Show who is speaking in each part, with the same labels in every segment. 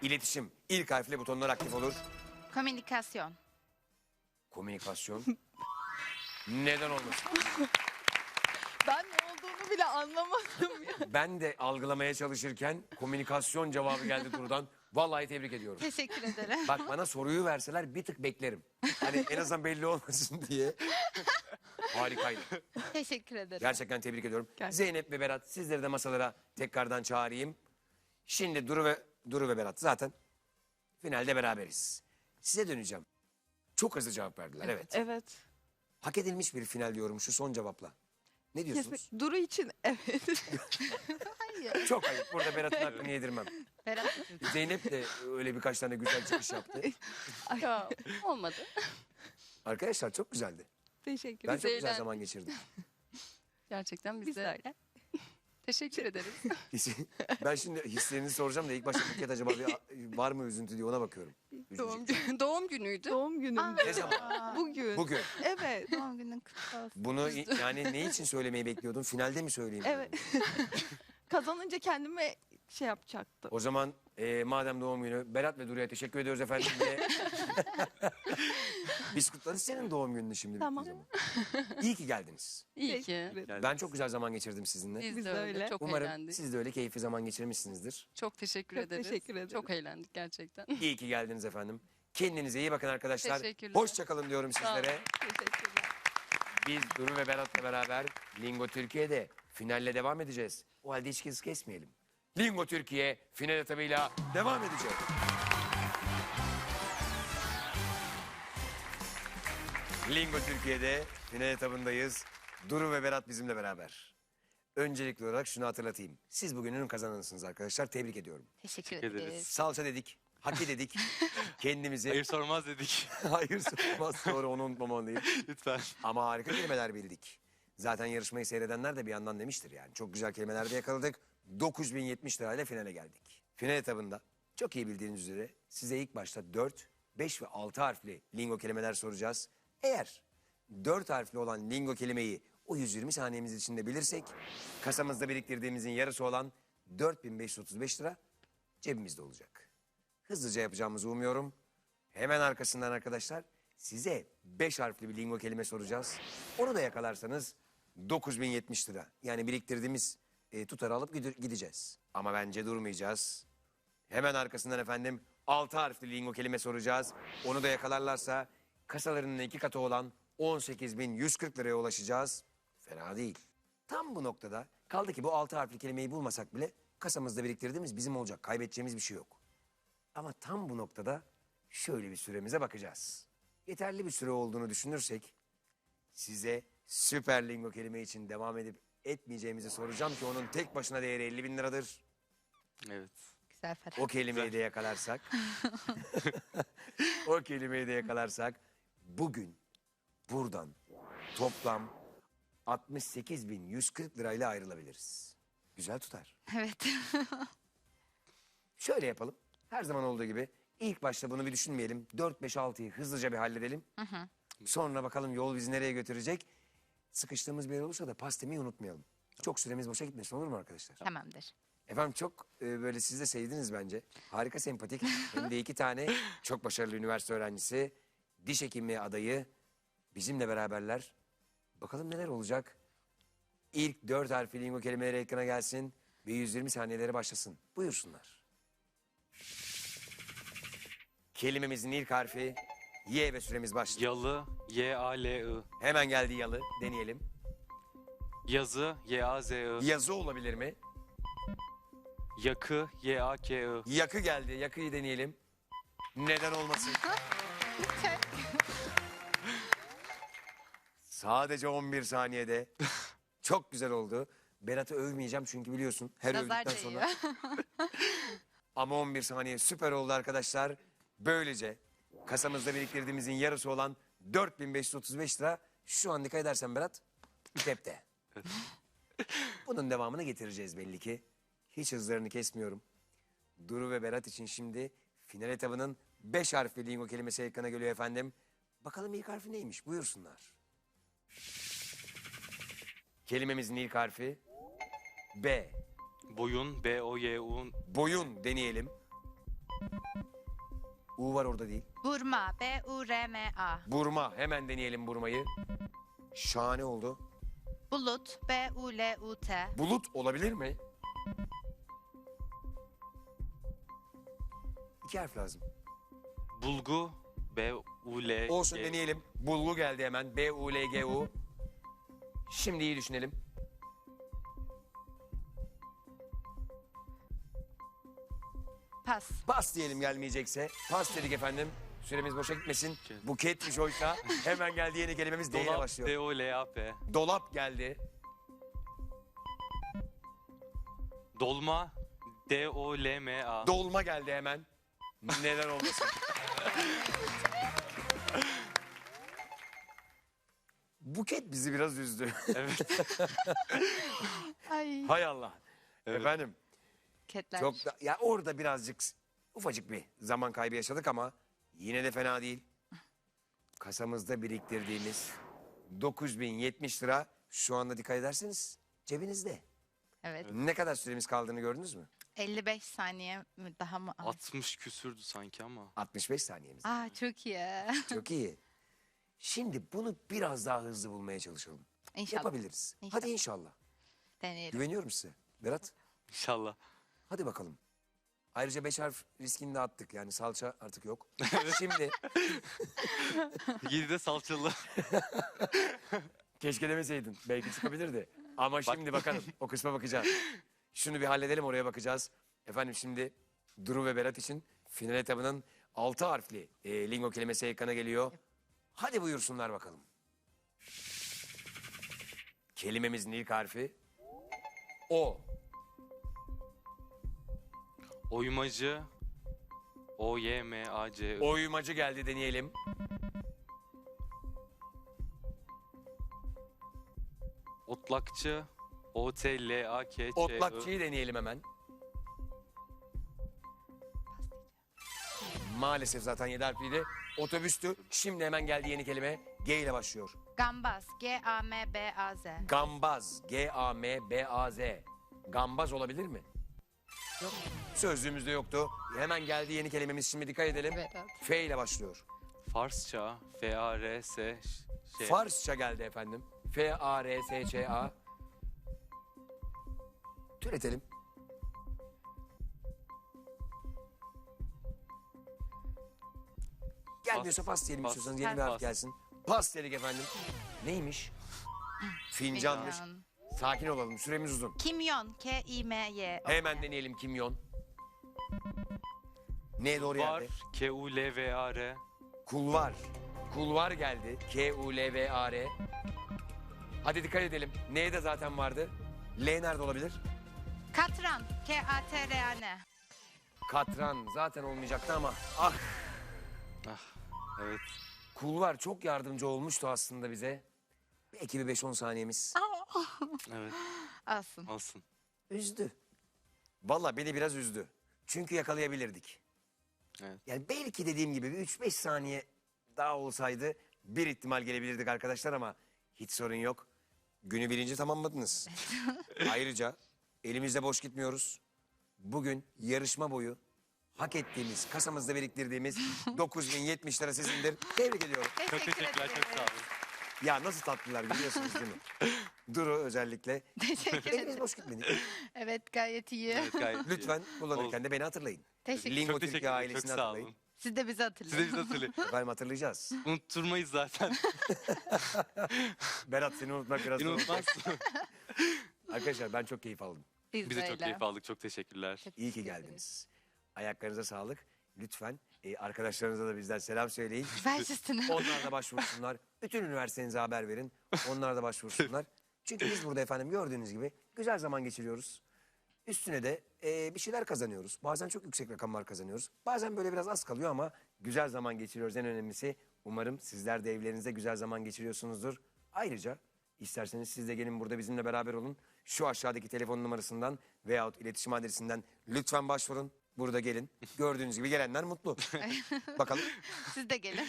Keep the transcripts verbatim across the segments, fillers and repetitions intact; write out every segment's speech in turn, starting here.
Speaker 1: İletişim. İlk harfle butonlar aktif olur.
Speaker 2: Komünikasyon.
Speaker 1: Komünikasyon. Neden olmasın?
Speaker 3: Ben ne olduğunu bile anlamadım ya.
Speaker 1: Ben de algılamaya çalışırken komünikasyon cevabı geldi Duru'dan. Vallahi tebrik ediyorum.
Speaker 2: Teşekkür ederim.
Speaker 1: Bak bana soruyu verseler bir tık beklerim. Hani en azından belli olmasın diye. Harikaydı.
Speaker 2: Teşekkür ederim.
Speaker 1: Gerçekten tebrik ediyorum.
Speaker 3: Gerçekten.
Speaker 1: Zeynep ve Berat sizleri de masalara tekrardan çağırayım. Şimdi Duru ve Duru ve Berat zaten finalde beraberiz. Size döneceğim. Çok hızlı cevap verdiler evet.
Speaker 3: Evet.
Speaker 1: Hak edilmiş bir final diyorum şu son cevapla. Ne diyorsunuz?
Speaker 3: Kesin. Duru için evet.
Speaker 2: Hayır.
Speaker 1: Çok ayıp. Burada Berat'ın hakkını yedirmem.
Speaker 2: Berat.
Speaker 1: Zeynep de öyle birkaç tane güzel çıkış yaptı.
Speaker 4: Ya, olmadı.
Speaker 1: Arkadaşlar çok güzeldi.
Speaker 3: Teşekkür
Speaker 1: Ben
Speaker 3: ederim.
Speaker 1: çok güzel
Speaker 4: eğlendik.
Speaker 1: zaman geçirdim.
Speaker 4: Gerçekten biz,
Speaker 3: Biz
Speaker 4: de
Speaker 3: de öyle.
Speaker 4: teşekkür ederiz.
Speaker 1: Ben şimdi hislerinizi soracağım da ilk başta Buket acaba bir, var mı üzüntü diye ona bakıyorum.
Speaker 4: Doğum,
Speaker 1: Üzülecek.
Speaker 4: günü, doğum günüydü.
Speaker 3: Doğum günüm.
Speaker 1: Ne zaman?
Speaker 3: Bugün.
Speaker 1: Bugün.
Speaker 3: Evet.
Speaker 2: Doğum günün kutlu olsun.
Speaker 1: Bunu yani ne için söylemeyi bekliyordun? Finalde mi söyleyeyim?
Speaker 3: Evet. Kazanınca kendime şey yapacaktım.
Speaker 1: O zaman e, madem doğum günü Berat ve Duru'ya teşekkür ediyoruz efendim. Ve biz kutlarız senin doğum gününü şimdi.
Speaker 3: Tamam.
Speaker 1: bittiği zaman. İyi ki geldiniz.
Speaker 4: İyi
Speaker 3: Teşekkür
Speaker 4: ki.
Speaker 3: ederim.
Speaker 1: Ben çok güzel zaman geçirdim sizinle.
Speaker 4: Biz,
Speaker 3: Biz
Speaker 4: de
Speaker 3: de
Speaker 4: öyle.
Speaker 3: öyle.
Speaker 4: Çok
Speaker 1: Umarım
Speaker 4: eğlendik.
Speaker 1: siz de öyle keyifli zaman geçirmişsinizdir.
Speaker 4: Çok teşekkür
Speaker 3: Çok
Speaker 4: ederiz.
Speaker 3: teşekkür ederim.
Speaker 4: Çok eğlendik gerçekten.
Speaker 1: İyi ki geldiniz efendim. Kendinize iyi bakın arkadaşlar.
Speaker 4: Teşekkürler.
Speaker 1: Hoşçakalın diyorum
Speaker 4: Sağ olun.
Speaker 1: sizlere.
Speaker 3: Teşekkürler.
Speaker 1: Biz Duru ve Berat'la beraber Lingo Türkiye'de finalle devam edeceğiz. O halde hiç hız kesmeyelim. Lingo Türkiye final etabıyla devam edecek. Lingo Türkiye'de final etabındayız. Duru ve Berat bizimle beraber. Öncelikli olarak şunu hatırlatayım. Siz bugünün kazananısınız arkadaşlar. Tebrik ediyorum.
Speaker 2: Teşekkür
Speaker 5: ederiz.
Speaker 2: ederiz.
Speaker 1: Salça dedik, haki dedik. Kendimizi...
Speaker 5: Hayır sormaz dedik.
Speaker 1: Hayır sormaz. Sonra onu unutmamalıyım.
Speaker 5: Lütfen.
Speaker 1: Ama harika kelimeler bildik. Zaten yarışmayı seyredenler de bir yandan demiştir yani. Çok güzel kelimeler de yakaladık. dokuz bin yetmiş lirayla finale geldik. Final etabında çok iyi bildiğiniz üzere size ilk başta dört, beş ve altı harfli lingo kelimeler soracağız. Eğer dört harfli olan lingo kelimeyi o yüz yirmi saniyemiz içinde bilirsek kasamızda biriktirdiğimizin yarısı olan dört bin beş yüz otuz beş lira cebimizde olacak. Hızlıca yapacağımızı umuyorum. Hemen arkasından arkadaşlar size beş harfli bir lingo kelime soracağız. Onu da yakalarsanız dokuz bin yetmiş lira. Yani biriktirdiğimiz e, tutarı alıp gide- gideceğiz. Ama bence durmayacağız. Hemen arkasından efendim altı harfli lingo kelime soracağız. Onu da yakalarlarsa kasalarının iki katı olan on sekiz bin yüz kırk liraya ulaşacağız. Fena değil. Tam bu noktada kaldı ki bu altı harfli kelimeyi bulmasak bile kasamızda biriktirdiğimiz bizim olacak. Kaybedeceğimiz bir şey yok. Ama tam bu noktada şöyle bir süremize bakacağız. Yeterli bir süre olduğunu düşünürsek size süper lingo kelime için devam edip etmeyeceğimizi soracağım ki onun tek başına değeri elli bin liradır.
Speaker 5: Evet.
Speaker 2: Güzel Ferhat.
Speaker 1: O kelimeyi de yakalarsak, o kelimeyi de yakalarsak bugün buradan toplam altmış sekiz bin yüz kırk lirayla ayrılabiliriz. Güzel tutar.
Speaker 2: Evet.
Speaker 1: Şöyle yapalım. Her zaman olduğu gibi ilk başta bunu bir düşünmeyelim. dört, beş, altıyı hızlıca bir halledelim. Sonra bakalım yol bizi nereye götürecek. Sıkıştığımız bir yer olursa da pas demeyi unutmayalım. Çok süremiz boşa gitmesin, olur mu arkadaşlar?
Speaker 2: Tamamdır.
Speaker 1: Efendim çok e, böyle siz de sevdiniz bence. Harika sempatik. Hem de iki tane çok başarılı üniversite öğrencisi. Diş hekimliği adayı bizimle beraberler. Bakalım neler olacak. İlk dört harfli lingo kelimeleri ekrana gelsin ve yüz yirmi saniyeleri başlasın. Buyursunlar. Kelimemizin ilk harfi Y ve süremiz başlıyor.
Speaker 5: Yalı, Y A L I.
Speaker 1: Hemen geldi yalı. Deneyelim.
Speaker 5: Yazı, Y A Z I.
Speaker 1: Yazı olabilir mi?
Speaker 5: Yakı, Y A K I.
Speaker 1: Yakı geldi. Yakıyı deneyelim. Neden olmasın? Sadece on bir saniyede. Çok güzel oldu. Berat'ı övmeyeceğim çünkü biliyorsun her
Speaker 2: Nazar
Speaker 1: övdükten sonra. Ama on bir saniye süper oldu arkadaşlar. Böylece kasamızda biriktirdiğimizin yarısı olan dört bin beş yüz otuz beş lira şu an dikkat edersen Berat cepte. Bunun devamını getireceğiz belli ki. Hiç hızlarını kesmiyorum. Duru ve Berat için şimdi final etabının beş harfli lingo kelimesi ekrana geliyor efendim. Bakalım ilk harfi neymiş? Buyursunlar. Kelimemizin ilk harfi B.
Speaker 5: Boyun, B O Y U.
Speaker 1: Boyun deneyelim. U var orada değil.
Speaker 2: Burma. B U R M A.
Speaker 1: Burma. Hemen deneyelim burmayı. Şahane oldu.
Speaker 2: Bulut. B U L U T.
Speaker 1: Bulut olabilir mi? İki harf lazım.
Speaker 5: Bulgu. B U L
Speaker 1: Olsun
Speaker 5: G.
Speaker 1: deneyelim. Bulgu geldi hemen. B U L G U. Şimdi iyi düşünelim.
Speaker 2: Pas.
Speaker 1: Pas diyelim gelmeyecekse. Pas dedik efendim. Süremiz boşa gitmesin.
Speaker 5: Okey.
Speaker 1: Buketmiş oysa. Hemen geldi yeni kelimemiz D ile
Speaker 5: Dolap.
Speaker 1: başlıyor.
Speaker 5: D O L A P.
Speaker 1: Dolap geldi.
Speaker 5: Dolma. D O L M A.
Speaker 1: Dolma geldi hemen. Neden olmasın? Buket bizi biraz üzdü.
Speaker 5: Evet.
Speaker 2: Ay.
Speaker 1: Hay Allah.
Speaker 5: Evet.
Speaker 1: Efendim
Speaker 2: Ketler.
Speaker 1: çok da, ya orada birazcık ufacık bir zaman kaybı yaşadık ama yine de fena değil. Kasamızda biriktirdiğimiz dokuz bin yetmiş lira şu anda dikkat ederseniz cebinizde.
Speaker 2: Evet.
Speaker 1: Ne kadar süremiz kaldığını gördünüz mü?
Speaker 2: elli beş saniye mi daha mı? az?
Speaker 5: altmış küsürdü sanki ama.
Speaker 1: altmış beş saniyemiz.
Speaker 2: Aa çok iyi.
Speaker 1: Çok iyi. Şimdi bunu biraz daha hızlı bulmaya çalışalım.
Speaker 2: İnşallah.
Speaker 1: Yapabiliriz.
Speaker 2: İnşallah.
Speaker 1: Hadi inşallah.
Speaker 2: Deneyelim.
Speaker 1: Güveniyorum size. Berat
Speaker 5: İnşallah.
Speaker 1: hadi bakalım. Ayrıca beş harf riskini de attık. Yani salça artık yok. Şimdi
Speaker 5: Yedi de salçalı.
Speaker 1: keşke demeseydin. Belki çıkabilirdi. Ama şimdi bakalım. O kısma bakacağız. Şunu bir halledelim, oraya bakacağız. Efendim şimdi Duru ve Berat için final etabının altı harfli e, lingo kelimesi ekrana geliyor. Hadi buyursunlar bakalım. Kelimemizin ilk harfi O.
Speaker 5: Oymacı. O Y M A C I.
Speaker 1: Oymacı geldi, deneyelim.
Speaker 5: Otlakçı. O T L A K Ç I.
Speaker 1: Otlakçıyı deneyelim hemen. Maalesef zaten yedi harfliydi. Otobüstü. Şimdi hemen geldi yeni kelime. G ile başlıyor.
Speaker 2: Gambaz. G A M B A Z.
Speaker 1: Gambaz. G A M B A Z. Gambaz olabilir mi? Yok. Sözlüğümüzde yoktu. Hemen geldi yeni kelimemiz. Şimdi dikkat edelim.
Speaker 2: Berat.
Speaker 1: F ile başlıyor.
Speaker 5: Farsça. F A R S şey.
Speaker 1: Farsça geldi efendim. F A R S Ç A. Türetelim. Gelmiyorsa pas diyelim
Speaker 5: Pas.
Speaker 1: istiyorsanız. Yeni bir harf
Speaker 5: Pas.
Speaker 1: gelsin. Pas dedik efendim. Neymiş? Fincanmış.
Speaker 2: Fincan.
Speaker 1: Sakin olalım. Süremiz uzun.
Speaker 2: Kimyon. K I M Y. O.
Speaker 1: Hemen deneyelim kimyon. Ne doğru
Speaker 5: Var.
Speaker 1: yerde?
Speaker 5: K U L V A R.
Speaker 1: Kulvar. Kulvar geldi. K U L V A R. Hadi dikkat edelim. N de zaten vardı. L nerede olabilir?
Speaker 2: Katran. K A T R A N.
Speaker 1: Katran zaten olmayacaktı ama ah,
Speaker 5: Ah. Evet.
Speaker 1: kulvar çok yardımcı olmuştu aslında bize. Belki bir beş on saniyemiz.
Speaker 5: Evet.
Speaker 2: Alsın.
Speaker 5: Olsun.
Speaker 1: Üzdü. Vallahi beni biraz üzdü. Çünkü yakalayabilirdik.
Speaker 5: Evet.
Speaker 1: Yani belki dediğim gibi bir üç beş saniye daha olsaydı bir ihtimal gelebilirdik arkadaşlar ama hiç sorun yok. Günü birinci tamamladınız. Ayrıca elimizde boş gitmiyoruz. Bugün yarışma boyu hak ettiğimiz, kasamızda biriktirdiğimiz dokuz bin yetmiş lira sizindir. Tebrik ediyorum.
Speaker 5: Çok teşekkürler. Çok sağ olun.
Speaker 1: Ya nasıl tatlılar biliyorsunuz değil mi? Duru özellikle.
Speaker 2: Teşekkür
Speaker 1: Elimiz
Speaker 2: ederim.
Speaker 1: boş gitmedi.
Speaker 2: Evet gayet iyi.
Speaker 5: Evet, gayet iyi.
Speaker 1: Lütfen kullanırken
Speaker 5: Oldu.
Speaker 1: de beni hatırlayın.
Speaker 2: Teşekkür.
Speaker 1: Lingo
Speaker 5: Çok
Speaker 1: Türkiye
Speaker 5: teşekkürler. Çok
Speaker 1: ailesini
Speaker 5: sağ
Speaker 1: hatırlayın.
Speaker 5: olun.
Speaker 2: Siz de bizi
Speaker 5: Size
Speaker 2: hatırlayın.
Speaker 5: biz hatırlayın.
Speaker 1: Efendim hatırlayacağız.
Speaker 5: Unutturmayız zaten.
Speaker 1: Berat seni unutmak biraz
Speaker 5: Beni
Speaker 1: zor.
Speaker 5: unutmazsın.
Speaker 1: Arkadaşlar ben çok keyif aldım.
Speaker 2: Biz,
Speaker 5: Biz de
Speaker 2: de
Speaker 5: çok
Speaker 2: öyle.
Speaker 5: keyif aldık. Çok teşekkürler.
Speaker 2: Çok
Speaker 1: İyi ki
Speaker 2: teşekkür ederiz.
Speaker 1: geldiniz. Ayaklarınıza sağlık. Lütfen e, arkadaşlarınıza da bizden selam söyleyin.
Speaker 2: Ver üstüne.
Speaker 1: Onlar da başvursunlar. Bütün üniversitenize haber verin. Onlar da başvursunlar. Çünkü biz burada efendim gördüğünüz gibi güzel zaman geçiriyoruz. Üstüne de e, bir şeyler kazanıyoruz. Bazen çok yüksek rakamlar kazanıyoruz. Bazen böyle biraz az kalıyor ama güzel zaman geçiriyoruz. En önemlisi umarım sizler de evlerinizde güzel zaman geçiriyorsunuzdur. Ayrıca isterseniz siz de gelin burada bizimle beraber olun. Şu aşağıdaki telefon numarasından veyahut iletişim adresinden lütfen başvurun. Burada gelin. Gördüğünüz gibi gelenler mutlu. Bakalım.
Speaker 2: Siz de gelin.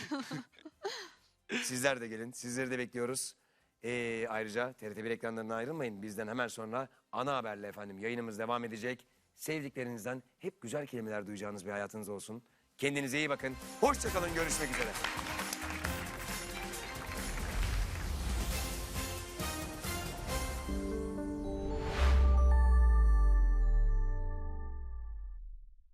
Speaker 1: Sizler de gelin. Sizleri de bekliyoruz. Ee, ayrıca T R T bir ekranlarından ayrılmayın. Bizden hemen sonra ana haberle efendim yayınımız devam edecek. Sevdiklerinizden hep güzel kelimeler duyacağınız bir hayatınız olsun. Kendinize iyi bakın. Hoşça kalın. Görüşmek üzere.